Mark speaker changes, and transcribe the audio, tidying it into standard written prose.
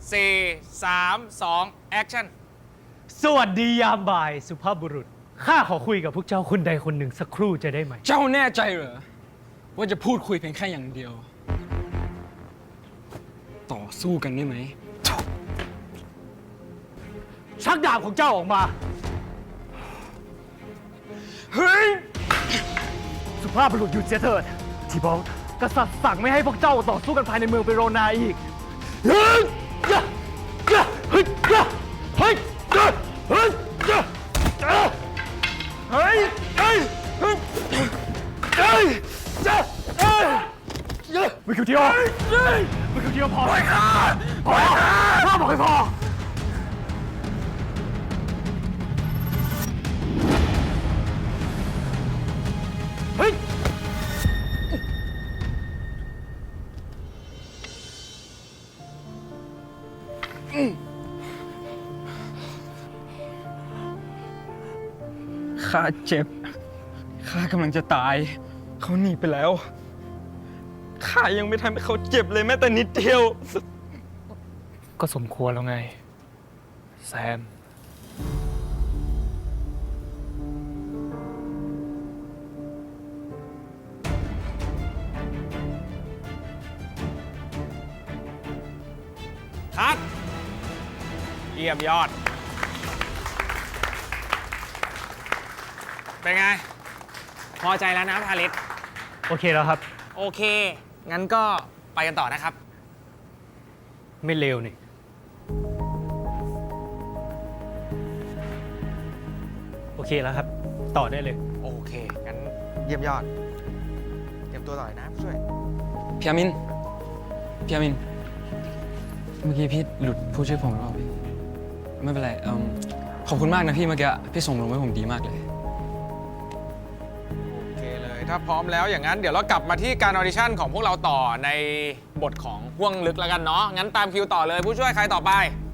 Speaker 1: 4 3 2 action
Speaker 2: สวัสดียามบ่ายสุภาพบุรุษข้าขอคุยกับพวกเจ้าคนใดคนหนึ่งสักครู่จะได้ไหม
Speaker 3: เจ้าแน่ใจเหรอว่าจะพูดคุยเพียงแค่อย่างเดียว ต่อสู้กันได้ไหม
Speaker 2: ชักดาบของเจ้าออกมา
Speaker 3: เฮ้ย
Speaker 2: สุภาพบุรุษหยุดเสียเถิดทีบอลกษัตริย์สั่งไม่ให้พวกเจ้าต่อสู้กันภายในเมืองเปโรนาอีกเฮ้ยเฮ้ยเฮ้ยเฮ้ยเฮ้ยเฮ้ยเฮ้ยเฮ้ยเฮ้ยวิคิวเทียววิคิวเทียวพอไปค่ะพอข้าบอกให้พอเฮ้ย
Speaker 3: ข้าเจ็บ ข้ากำลังจะตาย เขาหนีไปแล้ว ข้ายังไม่ทำให้เขาเจ็บเลยแม้แต่นิดเดียว
Speaker 2: ก็สมควรแล้วไงแซม
Speaker 1: คัดเยี่ยมยอด เป็นไง พอใจแล้วนะพาริส
Speaker 2: โอเคแล้วครับ
Speaker 1: โอเค งั้นก็ไปกันต่อนะครับ
Speaker 2: ไม่เลวนี่โอเคแล้วครับ ต่อได้เลย
Speaker 1: โอเค งั้นเยี่ยมยอด เตรียมตัวต่อเลยนะผู้ช่วย
Speaker 3: พี่อามิน พี่อามิน เมื่อกี้พี่หลุดพูดชื่อผมหรือเปล่าพี่ไม่เป็นไรขอบคุณมากนะพี่เมื่อกี้พี่ส่งลงให้ผมดีมากเลย
Speaker 1: โอเคเลย ถ้าพร้อมแล้วอย่างนั้นเดี๋ยวเรากลับมาที่การออดิชั่นของพวกเราต่อในบทของห่วงลึกแล้วกันเนาะ งั้นตามคิวต่อเลยผู้ช่วยใครต่อไป